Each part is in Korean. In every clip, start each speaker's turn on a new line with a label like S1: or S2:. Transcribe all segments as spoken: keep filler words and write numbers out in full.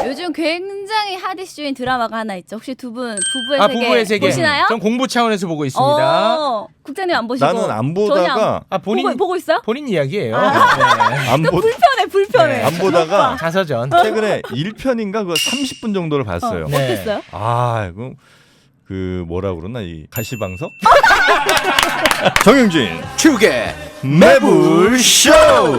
S1: 요즘 굉장히 핫 이슈인 드라마가 하나 있죠. 혹시 두 분 부부의,
S2: 아,
S1: 세계,
S2: 부부의 세계
S1: 보시나요?
S2: 전 공부 차원에서 보고 있습니다.
S1: 어, 국장님 안 보시고
S3: 나는 안
S1: 전혀
S3: 보다가
S2: 아 본인
S1: 보고, 보고 있어요?
S2: 본인 이야기예요.
S1: 아.
S2: 네.
S3: 안, 보,
S1: 불편해 불편해.
S2: 네.
S3: 안 보다가
S2: 자서전.
S3: 최근에 일 편인가 그 삼십 분 정도를 봤어요.
S1: 어,
S2: 네.
S1: 어땠어요?
S3: 아, 이거 그 뭐라 그러나 이 가시방석? 정영진
S2: 축의
S3: 매불쇼.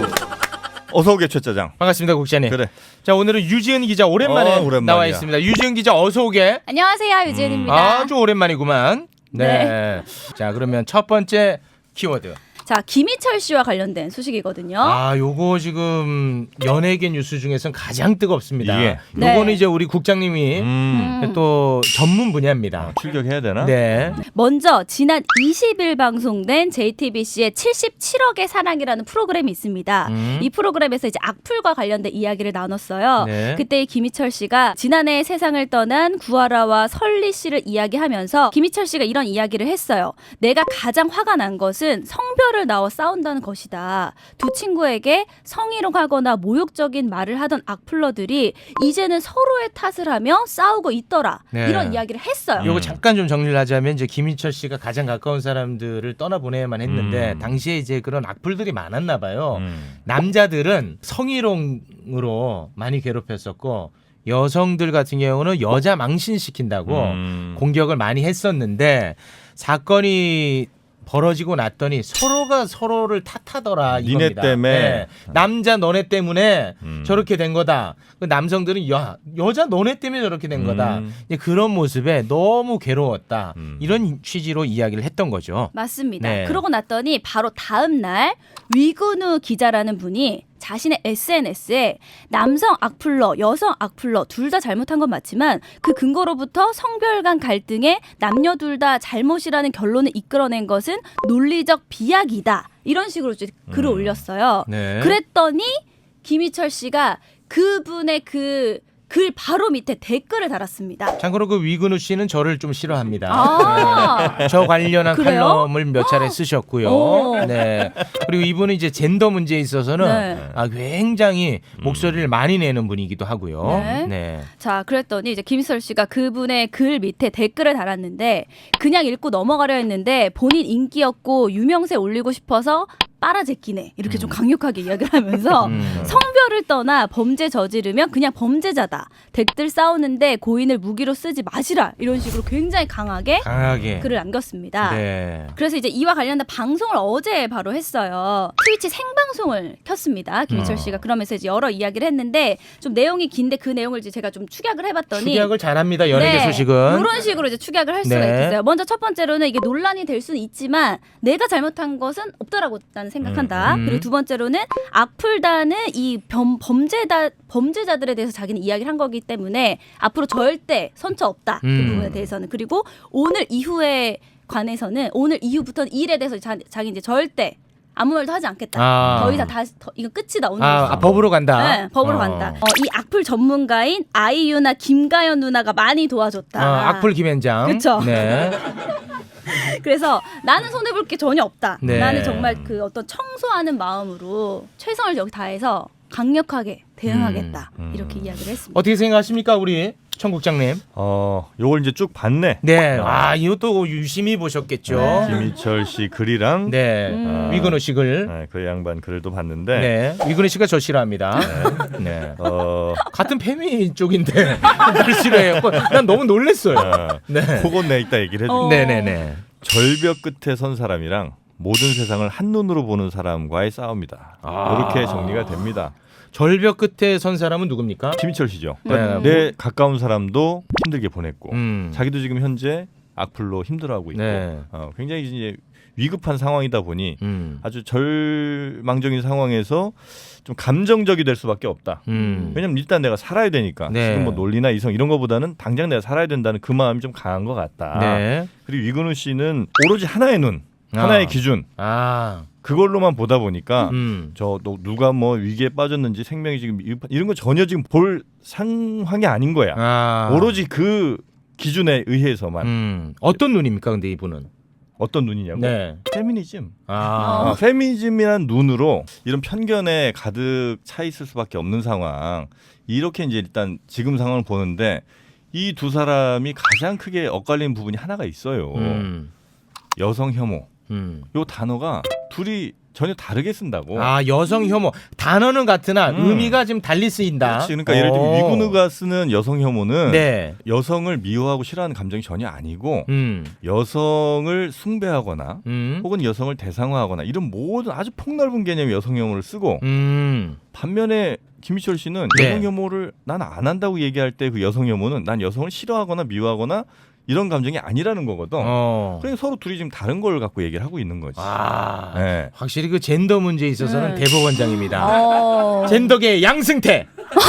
S3: 어서 오게 최짜장.
S2: 반갑습니다, 국장님.
S3: 그래.
S2: 자, 오늘은 유지은 기자 오랜만에
S3: 어, 오랜만이야.
S2: 나와 있습니다. 유지은 기자 어서 오게.
S1: 안녕하세요 유지은입니다.
S2: 아주 오랜만이구만. 네. 자, 그러면 첫 번째 키워드.
S1: 자 김희철 씨와 관련된 소식이거든요.
S2: 아, 요거 지금 연예계 뉴스 중에서는 가장 뜨겁습니다.
S3: 예.
S2: 요거는
S1: 네.
S2: 이제 우리 국장님이
S3: 음.
S1: 음.
S2: 또 전문 분야입니다.
S3: 출격해야 되나?
S2: 네.
S1: 먼저 지난 이십 일 방송된 제이티비씨의 칠십칠억의 사랑이라는 프로그램이 있습니다.
S2: 음.
S1: 이 프로그램에서 이제 악플과 관련된 이야기를 나눴어요.
S2: 네.
S1: 그때 김희철 씨가 지난해 세상을 떠난 구하라와 설리 씨를 이야기하면서 김희철 씨가 이런 이야기를 했어요. 내가 가장 화가 난 것은 성별을 나와 싸운다는 것이다. 두 친구에게 성희롱하거나 모욕적인 말을 하던 악플러들이 이제는 서로의 탓을 하며 싸우고 있더라.
S2: 네.
S1: 이런 이야기를 했어요.
S2: 요거
S3: 음.
S2: 잠깐 좀 정리를 하자면 이제 김희철 씨가 가장 가까운 사람들을 떠나보내야만 했는데
S3: 음.
S2: 당시에 이제 그런 악플들이 많았나 봐요.
S3: 음.
S2: 남자들은 성희롱으로 많이 괴롭혔었고 여성들 같은 경우는 여자 망신시킨다고
S3: 음.
S2: 공격을 많이 했었는데 사건이 벌어지고 났더니 서로가 서로를 탓하더라
S3: 니네
S2: 이겁니다.
S3: 때문에.
S2: 네. 남자 너네 때문에
S3: 음.
S2: 저렇게 된 거다. 그 남성들은 야 여자 너네 때문에 저렇게 된 거다.
S3: 음.
S2: 이제 그런 모습에 너무 괴로웠다.
S3: 음.
S2: 이런 취지로 이야기를 했던 거죠.
S1: 맞습니다.
S2: 네.
S1: 그러고 났더니 바로 다음 날 위근우 기자라는 분이 자신의 에스엔에스에 남성 악플러, 여성 악플러 둘 다 잘못한 건 맞지만 그 근거로부터 성별 간 갈등에 남녀 둘 다 잘못이라는 결론을 이끌어낸 것은 논리적 비약이다. 이런 식으로 이제 글을
S3: 음.
S1: 올렸어요.
S2: 네.
S1: 그랬더니 김희철 씨가 그분의 그 글 바로 밑에 댓글을 달았습니다.
S2: 참고로 그 위근우 씨는 저를 좀 싫어합니다.
S1: 아.
S2: 네. 저 관련한
S1: 그래요?
S2: 칼럼을 몇 차례 쓰셨고요.
S1: 오.
S2: 네. 그리고 이분은 이제 젠더 문제에 있어서는
S1: 네.
S2: 아, 굉장히 목소리를 많이 내는 분이기도 하고요.
S1: 네.
S2: 네.
S1: 자, 그랬더니 이제 김희철 씨가 그분의 글 밑에 댓글을 달았는데 그냥 읽고 넘어가려 했는데 본인 인기였고 유명세 올리고 싶어서 빨아제끼네 이렇게 좀 강력하게 이야기를 하면서
S2: 음.
S1: 성별을 떠나 범죄 저지르면 그냥 범죄자다. 댓글 싸우는데 고인을 무기로 쓰지 마시라. 이런 식으로 굉장히 강하게
S2: 강하게.
S1: 글을 남겼습니다.
S2: 네.
S1: 그래서 이제 이와 관련된 방송을 어제 바로 했어요. 트위치 생방송을 켰습니다. 김희철
S2: 어.
S1: 씨가 그러면서 이제 여러 이야기를 했는데 좀 내용이 긴데 그 내용을 이제 제가 좀 축약을 해봤더니
S2: 축약을 잘합니다. 연예계
S1: 네,
S2: 소식은.
S1: 이런 식으로 이제 축약을 할 수가
S2: 네.
S1: 있겠어요. 먼저 첫 번째로는 이게 논란이 될 수는 있지만 내가 잘못한 것은 없다라고 나는 생각한다.
S2: 음, 음.
S1: 그리고 두 번째로는 악플다는 이 범, 범죄다 범죄자들에 대해서 자기는 이야기를 한 거기 때문에 앞으로 절대 선처 없다.
S2: 음.
S1: 그 부분에 대해서는 그리고 오늘 이후에 관해서는 오늘 이후부터는 이 일에 대해서 자, 자기 이제 절대 아무 말도 하지 않겠다.
S2: 아.
S1: 더 이상 다시 더, 이거 끝이다 오늘.
S2: 아, 아, 법으로 간다.
S1: 네, 법으로
S2: 어.
S1: 간다. 어, 이 악플 전문가인 아이유나 김가연 누나가 많이 도와줬다.
S2: 어, 악플 김현장.
S1: 그쵸.
S2: 네.
S1: 그래서 나는 손해볼 게 전혀 없다.
S2: 네.
S1: 나는 정말 그 어떤 청소하는 마음으로 최선을 여기 다해서 강력하게 대응하겠다.
S3: 음, 음.
S1: 이렇게 이야기를 했습니다.
S2: 어떻게 생각하십니까, 우리 청국장님?
S3: 어, 요걸 이제 쭉 봤네.
S2: 네. 아, 이것도 유심히 보셨겠죠.
S1: 네.
S3: 김희철 씨 글이랑
S2: 네.
S1: 음.
S2: 위근우 씨 글.
S3: 네, 그 양반 글도 봤는데
S2: 네. 위근우 씨가 저 싫어합니다. 네.
S3: 어,
S2: 같은 페미 쪽인데 날 싫어해요. 난 너무 놀랬어요.
S3: 어,
S2: 네.
S3: 그건 내 이따 얘기를 해줄게.
S1: 어.
S2: 네네네.
S3: 절벽 끝에 선 사람이랑 모든 세상을 한눈으로 보는 사람과의 싸움이다.
S2: 아.
S3: 이렇게 정리가 됩니다.
S2: 절벽 끝에 선 사람은 누굽니까?
S3: 김희철 씨죠.
S2: 네.
S3: 내 가까운 사람도 힘들게 보냈고
S2: 음.
S3: 자기도 지금 현재 악플로 힘들어하고 있고
S2: 네.
S3: 어, 굉장히 이제 위급한 상황이다 보니
S2: 음.
S3: 아주 절망적인 상황에서 좀 감정적이 될 수밖에 없다.
S2: 음.
S3: 왜냐면 일단 내가 살아야 되니까
S2: 네.
S3: 지금 뭐 논리나 이성 이런 거보다는 당장 내가 살아야 된다는 그 마음이 좀 강한 것 같다.
S2: 네.
S3: 그리고 위근우 씨는 오로지 하나의 눈,
S2: 아.
S3: 하나의 기준
S2: 아.
S3: 그걸로만 보다 보니까
S2: 음.
S3: 저 너 누가 뭐 위기에 빠졌는지 생명이 지금 위- 이런 거 전혀 지금 볼 상황이 아닌 거야.
S2: 아.
S3: 오로지 그 기준에 의해서만
S2: 음. 어떤 눈입니까, 근데 이분은?
S3: 어떤 눈이냐고.
S2: 네.
S3: 페미니즘.
S2: 아.
S3: 어, 페미니즘이란 눈으로 이런 편견에 가득 차 있을 수밖에 없는 상황. 이렇게 이제 일단 지금 상황을 보는데 이 두 사람이 가장 크게 엇갈리는 부분이 하나가 있어요.
S2: 음.
S3: 여성 혐오.
S2: 음.
S3: 요 단어가 둘이 전혀 다르게 쓴다고.
S2: 아, 여성 혐오. 단어는 같으나
S3: 음.
S2: 의미가 좀 달리 쓰인다.
S3: 그렇지. 그러니까 예를 들면
S2: 어.
S3: 위구누가 쓰는 여성 혐오는
S2: 네.
S3: 여성을 미워하고 싫어하는 감정이 전혀 아니고
S2: 음.
S3: 여성을 숭배하거나
S2: 음.
S3: 혹은 여성을 대상화하거나 이런 모든 아주 폭넓은 개념의 여성 혐오를 쓰고
S2: 음.
S3: 반면에 김희철 씨는
S2: 네.
S3: 여성 혐오를 난 안 한다고 얘기할 때 그 여성 혐오는 난 여성을 싫어하거나 미워하거나 이런 감정이 아니라는 거거든.
S2: 어.
S3: 그러니까 서로 둘이 지금 다른 걸 갖고 얘기를 하고 있는 거지.
S2: 아.
S3: 네.
S2: 확실히 그 젠더 문제에 있어서는
S1: 네.
S2: 대법원장입니다.
S1: 어.
S2: 젠더계 양승태.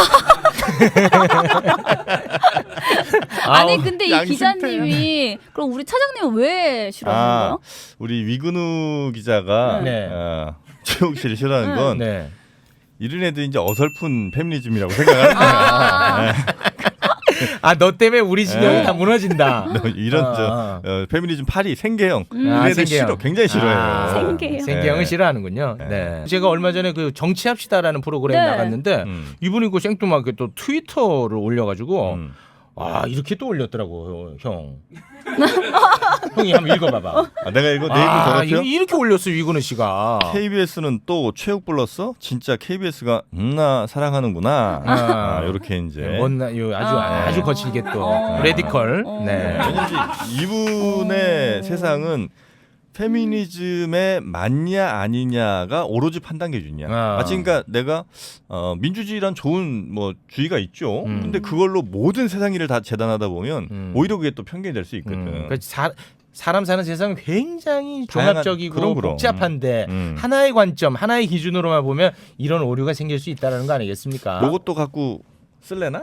S1: 아니
S2: 아우,
S1: 근데 이
S3: 양심태야.
S1: 기자님이 그럼 우리 차장님은 왜 싫어하는
S3: 아,
S1: 거예요?
S3: 우리 위근우 기자가
S2: 네.
S3: 어, 최욱 씨를 싫어하는
S1: 네.
S3: 건
S2: 네.
S3: 이런 애들 이제 어설픈 페미니즘이라고 생각하는 거야.
S1: 아.
S3: 네.
S2: 아, 너 때문에 우리 진영이
S3: 네.
S2: 다 무너진다.
S3: 너 이런
S2: 아,
S3: 저
S2: 아.
S3: 어, 페미니즘 파리 생계형
S1: 음.
S3: 이런
S2: 아,
S3: 애들
S2: 생계형.
S3: 싫어, 굉장히 싫어해요.
S2: 아,
S1: 생계형.
S2: 생계형을
S3: 네.
S2: 싫어하는군요. 네.
S3: 네.
S2: 제가 얼마 전에 그 정치합시다라는 프로그램
S1: 네.
S2: 나갔는데
S3: 음.
S2: 이분이 그 생뚱하게 또 트위터를 올려가지고
S3: 음.
S2: 아 이렇게 또 올렸더라고 형. 형이 한번 읽어봐봐.
S3: 아, 내가 이거 내 입을
S2: 아,
S3: 더럽혀?
S2: 이- 이렇게 올렸어 위근우 씨가.
S3: 케이비에스는 또 최욱 불렀어? 진짜 케이비에스가 음나 사랑하는구나.
S2: 아.
S3: 아, 이렇게 이제.
S2: 뭔나 요 아주
S1: 아.
S2: 아주 거칠게 또
S1: 어.
S2: 레디컬.
S1: 어.
S2: 네.
S3: 왜냐면 이분의
S1: 어.
S3: 세상은 페미니즘에 맞냐 아니냐가 오로지 판단 기준이야.
S2: 아.
S3: 마치 그러니까 내가 어, 민주주의란 좋은 뭐 주의가 있죠.
S2: 음.
S3: 근데 그걸로 모든 세상 일을 다 재단하다 보면
S2: 음.
S3: 오히려 그게 또 편견이 될 수 있거든.
S2: 음, 그 사, 사람 사는 세상은 굉장히
S3: 다양한-
S2: 종합적이고
S3: 그럼, 그럼.
S2: 복잡한데
S3: 음.
S2: 하나의 관점, 하나의 기준으로만 보면 이런 오류가 생길 수 있다는 거 아니겠습니까?
S3: 요것도 갖고 쓸래나?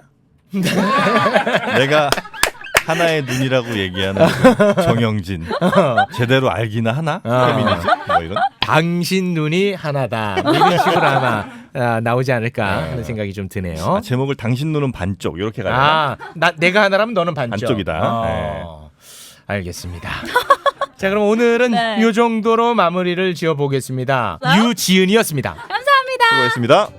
S3: 내가 하나의 눈이라고 얘기하는 그 정영진 제대로 알기나 하나?
S2: 아.
S3: 페미니즘? 뭐 이런?
S2: 당신 눈이 하나다. 뭐 이런 식으로 아마 아, 나오지 않을까
S3: 네.
S2: 하는 생각이 좀 드네요.
S3: 아, 제목을 당신 눈은 반쪽 이렇게 가요.
S2: 아, 나 내가 하나라면 너는 반쪽.
S3: 반쪽이다.
S2: 어, 알겠습니다. 자, 그럼 오늘은
S1: 네.
S2: 이 정도로 마무리를 지어 보겠습니다.
S1: 네.
S2: 유지은이었습니다.
S1: 감사합니다.
S3: 수고했습니다.